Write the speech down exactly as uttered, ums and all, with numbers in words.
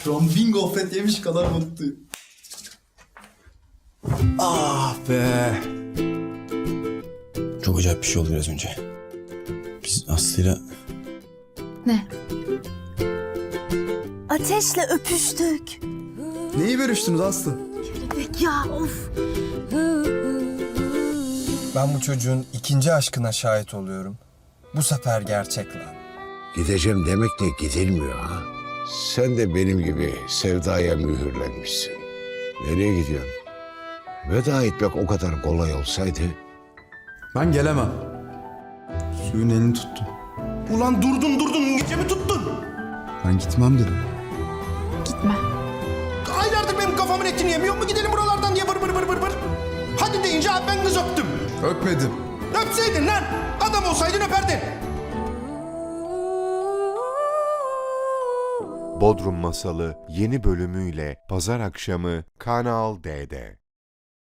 Şu an bin gofret yemiş kadar mutluyum. Ah be. Çok acayip bir şey oldu biraz önce. Biz Aslı'yla... Ne? Ateşle öpüştük. Neyi görüştünüz Aslı? Kelebek ya of. Ben bu çocuğun ikinci aşkına şahit oluyorum. Bu sefer gerçek lan. Gideceğim demekle gidilmiyor ha. Sen de benim gibi sevdaya mühürlenmişsin. Nereye gidiyorsun? Veda etmek o kadar kolay olsaydı... Ben gelemem. Suyun elini tuttum. Ulan durdun durdun gecemi tuttun. Ben gitmem dedim. Gitme. Aylardır benim kafamın etini yemiyor mu gidelim buralardan diye vır vır vır vır vır. Hadi deyince abi ben kız öptüm. Öpmedim. Öpseydin lan. Adam olsaydın öperdin. Bodrum Masalı yeni bölümüyle pazar akşamı Kanal D'de.